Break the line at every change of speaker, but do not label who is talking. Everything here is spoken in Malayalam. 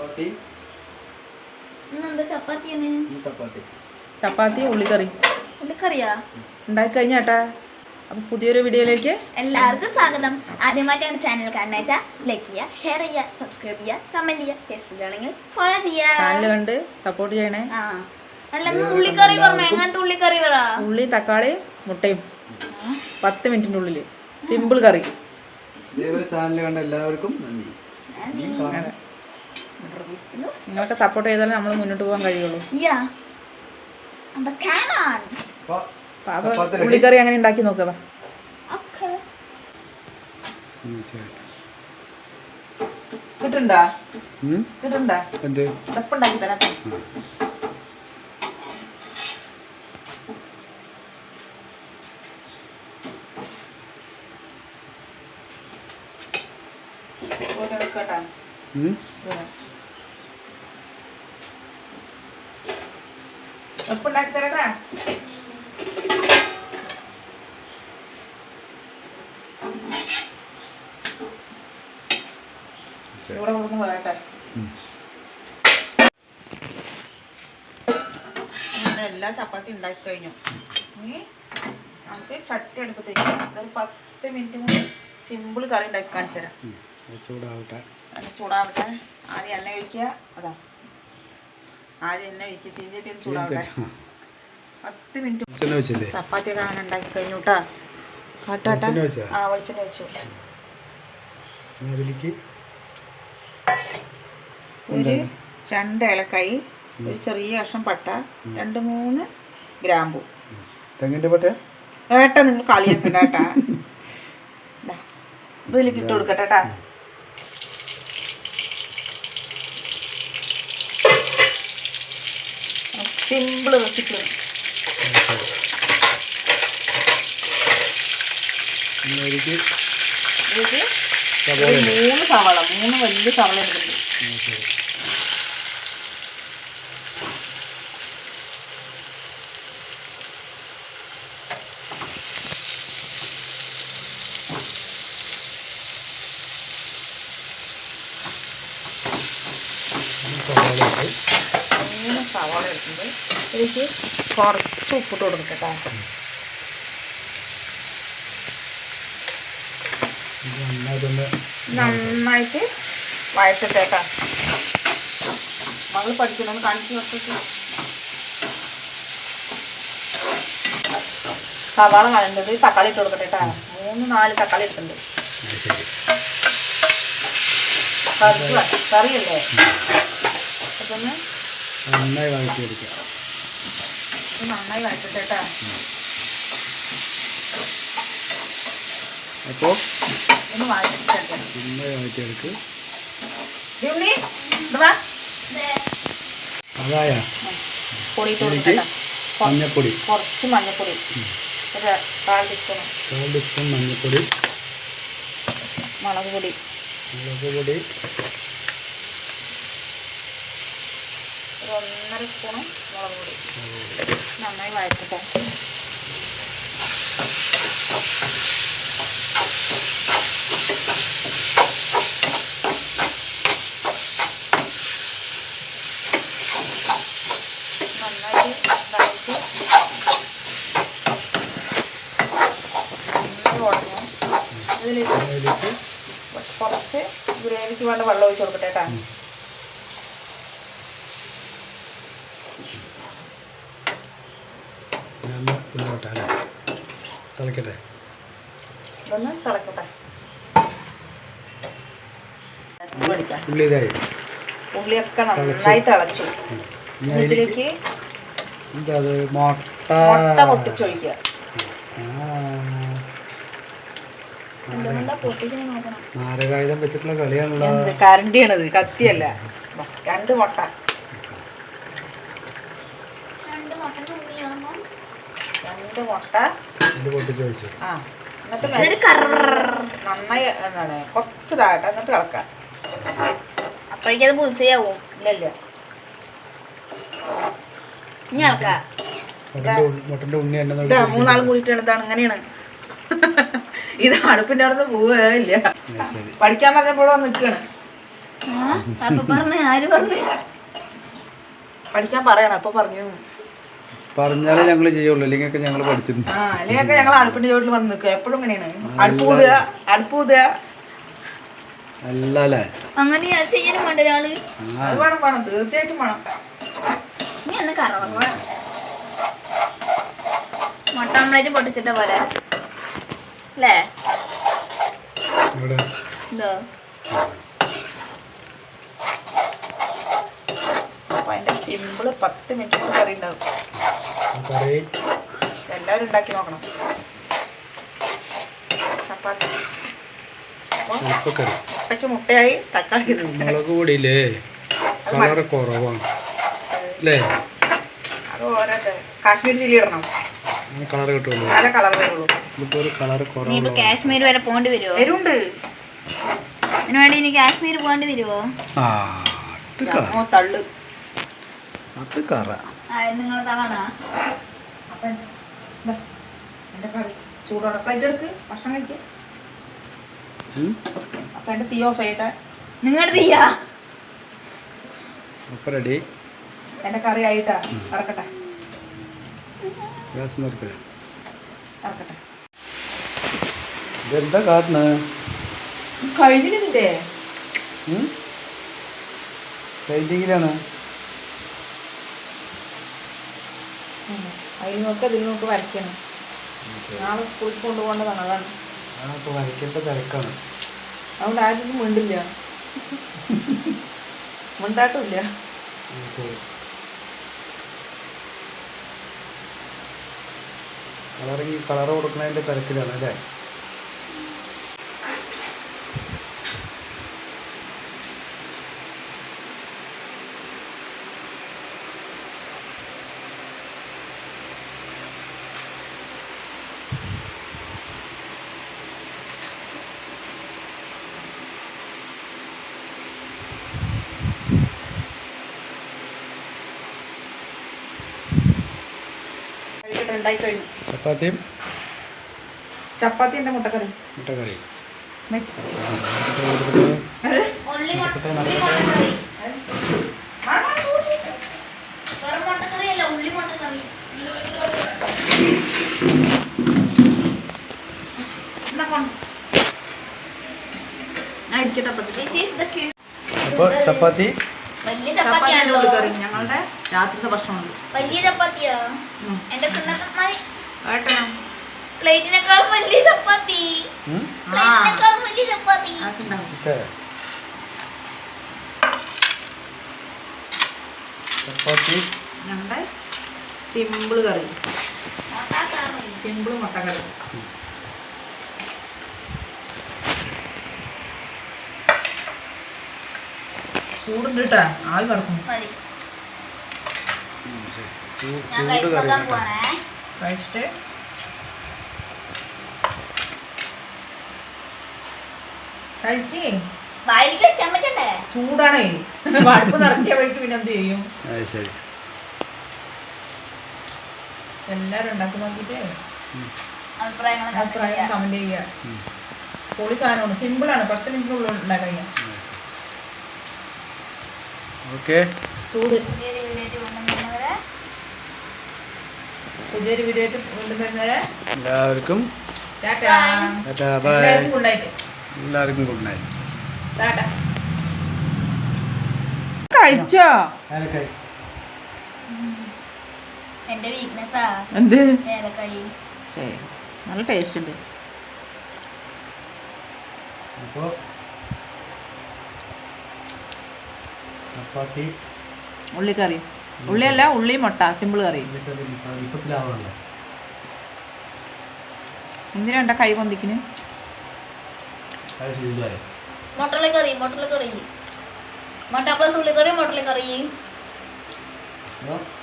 ചപ്പാത്തി ഉള്ളിക്കറി ഉണ്ടാക്കി കഴിഞ്ഞാട്ടാ. അപ്പം പുതിയൊരു വീഡിയോയിലേക്ക്
എല്ലാവർക്കും സ്വാഗതം. ആദ്യമായിട്ടാണ് ചാനൽ കാണുന്നത് വെച്ചാൽ ലൈക്ക് ചെയ്യുക, ഷെയർ ചെയ്യുക, സബ്സ്ക്രൈബ് ചെയ്യുക, കമന്റ് ചെയ്യുക, ഫേസ്ബുക്കിലാണെങ്കിൽ ഫോളോ ചെയ്യുക.
ചാനൽ കണ്ട് സപ്പോർട്ട് ചെയ്യണേ.
ഉള്ളിക്കറി പറഞ്ഞു. എങ്ങനത്തെ ഉള്ളിക്കറി പറ?
ഉള്ളി, തക്കാളി, മുട്ടയും 10 മിനിറ്റിൻ്റെ ഉള്ളിൽ സിമ്പിൾ കറി.
ചാനൽ കണ്ട എല്ലാവർക്കും നന്ദി.
നിങ്ങളൊക്കെ സപ്പോർട്ട് ചെയ്താലേ നമ്മൾ മുന്നോട്ട് പോകാൻ കഴിയുള്ളൂ. ഉള്ളിക്കറി അങ്ങനെ ഉണ്ടാക്കി നോക്കുക. കിട്ടുണ്ടാ ഉണ്ടാക്കി തരാം. എപ്പുണ്ടാക്കി തരട്ടാ. ഇവിടെ കൊടുക്കുന്ന പറയട്ടെ. എല്ലാ ചപ്പാത്തി ഉണ്ടാക്കി കഴിഞ്ഞു. ഇനി നമുക്ക് ചട്ടി അടുപ്പത്തേക്ക് ഒരു 10 മിനിറ്റ് കൂടി സിമ്പിൾ കറി ഉണ്ടാക്കി കാണിച്ചു തരാം. ചൂടാവട്ടെ. ആദ്യം എണ്ണ ഒഴിക്കുക. ആദ്യം എണ്ണ ഒഴിക്കുക. ചീഞ്ചട്ടി ഒന്ന് ചൂടാവട്ടെ. 10 മിനിറ്റ് ചപ്പാത്തി ഒക്കെ അങ്ങനെ ഉണ്ടാക്കി കഴിഞ്ഞു കേട്ടാ. കാട്ടാട്ടാ. വെളിച്ചെണ്ണ വെച്ചു. ഒരു 2 ഏലക്കായി, ഒരു ചെറിയ കഷ്ണം പട്ട, 2-3 ഗ്രാമ്പു.
തെങ്ങിന്റെ പട്ട
ഏട്ടാ നിങ്ങൾ കളിയാക്കണ്ട കേട്ടാ. ഇതിലേക്ക് ഇട്ട് കൊടുക്കട്ടെ കേട്ടാ. Simple recipe. ഇതിലേക്ക് 3 സവാള, 3 വലിയ സവാള എടുക്കുന്നുണ്ട്. സവാള എടുക്കുന്നത് ഇതിലേക്ക് കുറച്ച് ഉപ്പിട്ട് കൊടുക്കട്ടെ. നന്നായിട്ട് വഴറ്റട്ടേട്ടാ. മകള് പഠിക്കണം കാണിച്ചു കൊടുത്തിട്ട്. സവാള വഴണ്ടത് തക്കാളി ഇട്ട് കൊടുക്കട്ടേട്ടാ. 3-4 തക്കാളി ഇട്ടുണ്ട്. കറിയല്ലേ അതൊന്ന്
നന്നായി വഴറ്റിയെടുക്കുക.
നന്നായി വഴറ്റട്ടേട്ടാ.
അപ്പോൾ
ഒന്ന് വഴറ്റിട്ടെടുക്കാം.
നന്നായി വഴറ്റിയെടുക്കുക. അതായ
പൊടി കൊടുക്കട്ടെ.
മഞ്ഞപ്പൊടി,
കുറച്ച് മഞ്ഞപ്പൊടി, ഒരു 1/4 ടീസ്പൂൺ
മഞ്ഞപ്പൊടി,
മുളക് പൊടി,
ഒരു
1.5 സ്പൂണ് മുളക് പൊടി. നന്നായി വഴറ്റട്ടെ. നന്നായിട്ട് ഇതായിട്ട് ഉടഞ്ഞു. ഇതിലേക്ക് കുറച്ച് ഗ്രേവിക്ക് വേണ്ട വെള്ളം ഒഴിച്ച് കൊടുക്കട്ടെ കേട്ടോ.
തിളക്കട്ടെ.
ഇതൊന്ന് തിളക്കട്ടെ. ഉള്ളിയൊക്കെ നന്നായി തിളച്ചു. ഇതിലേക്ക് മുട്ട പൊട്ടിച്ചൊഴിക്കുക.
നാരകായുധം വെച്ചിട്ടുള്ള കളിയാണല്ലോ.
കരണ്ടിയാണത്, കത്തിയല്ല. 2 മുട്ട. 2 മുട്ട
പൊട്ടിച്ചൊഴിച്ചു.
എന്നിട്ട് നന്നായി എന്താണ് കുറച്ച് താഴട്ടെ. എന്നിട്ട് ഇളക്കാം.
അപ്പോഴേക്കത് പുളിച്ചയാവും.
ഇല്ലല്ല.
ഇനി ഇളക്കാം.
മുട്ടന്റെ ഉണ്ണി എണ്ണ
3 ആളും കൂടിയിട്ടാണ്. ഇതാണ് ഇങ്ങനെയാണ്. ഇത് അടുപ്പിന്റെ അവിടെ നിന്ന് പോവുകയില്ല. പഠിക്കാൻ പറഞ്ഞപ്പോഴോ നിൽക്കുകയാണ്.
അപ്പൊ പറഞ്ഞു ആര് പറഞ്ഞു
പഠിക്കാൻ പറയണം അപ്പൊ പറഞ്ഞു
പറഞ്ഞാലേ ഞങ്ങൾ ചെയ്യുള്ളൂ, ഇല്ലെങ്കിൽ ഞങ്ങൾ പഠിച്ചിട്ടുണ്ട്.
അല്ലെങ്കിൽ ഞങ്ങൾ അടുപ്പിന്റെ ചോട്ടിൽ വന്ന് നിൽക്കുക എപ്പോഴും ഇങ്ങനെയാണ്. അടുപ്പൂതുക
അല്ലേ
അങ്ങനെ ചെയ്യാനും വേണ്ട ഒരാള്.
അത് വേണം തീർച്ചയായിട്ടും വേണം.
നീ എന്ന് കറവ മുട്ട ഓംലേറ്റ് പൊട്ടിച്ചിട്ട പോലെ അല്ലേ? എന്തോ
അപ്പൊ അതിന്റെ സിമ്പിള് 10 മിനിറ്റ് കറി ഉണ്ടാവും. എല്ലാവരും ഉണ്ടാക്കി നോക്കണം. ചപ്പാത്തി മുട്ടയ്ക്ക് മുട്ടയായി തക്കാളി
മുളക് പൊടിയില്ലേ കളർ കുറവാണ് അല്ലേ?
അത് ഓരോ കാശ്മീരി ചില്ലി ഇടണം,
കളർ കിട്ടുള്ളൂ.
നല്ല കളർ വരുള്ളൂ.
ഇതിപ്പോ ഒരു കളർ
നീ ഇപ്പൊ
കുറവാണ്.
കാശ്മീർ വരെ പോണ്ടി വരുമോ?
എരുണ്ട്
അതിന് വേണ്ടി ഇനി കാശ്മീർ പോകേണ്ടി വരുമോ?
തള്ളു
അത് കറ
നിങ്ങൾ തളണ
അപ്പൊ എന്റെ കറി ചൂടോടെ പ്ലേറ്റ് എടുക്ക് ഭക്ഷണം കഴിക്കുക. അപ്പൊ എന്റെ തീ ഓഫ് ചെയ്യട്ടെ.
നിങ്ങളുടെ തീയാ
അപ്പൊ റെഡി.
എന്റെ കറി ആയിട്ടാ ഇറക്കട്ടെ
ഗ്യാസ് നിർത്തുക.
ഇറക്കട്ടെ.
ഇതെന്താ കാട്ടണ?
കഴിഞ്ഞില്ലേ
പെയിന്റിങ്ങിലാണ്.
അതിൽ നോക്ക് അതിൽ നോക്ക് വരയ്ക്കണം. നാളെ സ്കൂളിൽ കൊണ്ടുപോകേണ്ടതാണ്. അതാണ്
വരയ്ക്കേണ്ട തിരക്കാണ്.
അതുകൊണ്ട് ആരും മിണ്ടില്ല, മിണ്ടാട്ടുമില്ല.
കളർ കൊടുക്കുന്നതിന്റെ തിരക്കിലാണ് അല്ലേ?
ഉണ്ടായി കഴിഞ്ഞു. ചപ്പാത്തി എന്റെ മുട്ടക്കറി.
മുട്ടക്കറി അപ്പൊ ചപ്പാത്തി
വലിയ ചപ്പാത്തിയാണല്ലോ.
കറി ഞങ്ങളുടെ രാത്രിത്തെ ഭക്ഷണമുണ്ട്.
വലിയ ചപ്പാത്തിയാ എന്റെ പ്ലേറ്റിനേക്കാളും വലിയ ചപ്പാത്തി. പ്ലേറ്റിനേക്കാളും വലിയ ചപ്പാത്തി.
ചപ്പാത്തി
ഞങ്ങളുടെ സിമ്പിൾ കറി, സിമ്പിൾ മുട്ടക്കറി. ചൂടുണ്ട് കേട്ടാ, ആവി പറക്കും.
മതി.
ചൂട്
ഞാൻ
കറി
കഴിക്കാൻ പോവാണേ.
കഴിച്ചിട്ട് കഴിക്കേ.
വായിലേക്ക് വെച്ചാൻ പറ്റണ്ടേ?
ചൂടാണേ, അടുപ്പ് നിറക്കിയ വഴിക്ക് പിന്നെ എന്ത് ചെയ്യും?
ശരി.
എല്ലാരും ഉണ്ടാക്കി നോക്കിട്ട്
അഭിപ്രായങ്ങൾ
കമന്റ് ചെയ്യുക. പൊളി സാധനമാണ്, സിമ്പിളാണ്, 10 മിനിറ്റിനുള്ളിൽ ഉണ്ടാക്കാൻ കഴിയാം.
ഓക്കെ.
ചൂട്
പുതിയൊരു വീഡിയോ
കൊണ്ടുവരുന്നവരെ
എല്ലാവർക്കും
ടാറ്റാ.
ബൈ.
എല്ലാവർക്കും ഗുഡ് നൈറ്റ്.
എല്ലാവർക്കും ഗുഡ് നൈറ്റ്.
ടാറ്റാ. കഴിച്ചോ?
എന്റെ വീക്ക്നെസ്സാ
എന്ത്?
ഏലക്കായി.
ശരി, നല്ല ടേസ്റ്റ് ഉണ്ട്.
അപ്പോൾ ചപ്പാത്തി
ഉള്ളിക്കറി, ഉള്ളിയല്ല ഉള്ളി മുട്ട, സിമ്പിൾ കറി.
ഇപ്പത്തിലാവണല്ലോ.
എന്തിനാ എന്റെ കൈ പൊന്തിക്കിന്?
മുട്ടലക്കറി മുട്ട പ്ലസ് ഉള്ളിക്കറി മുട്ടലക്കറി.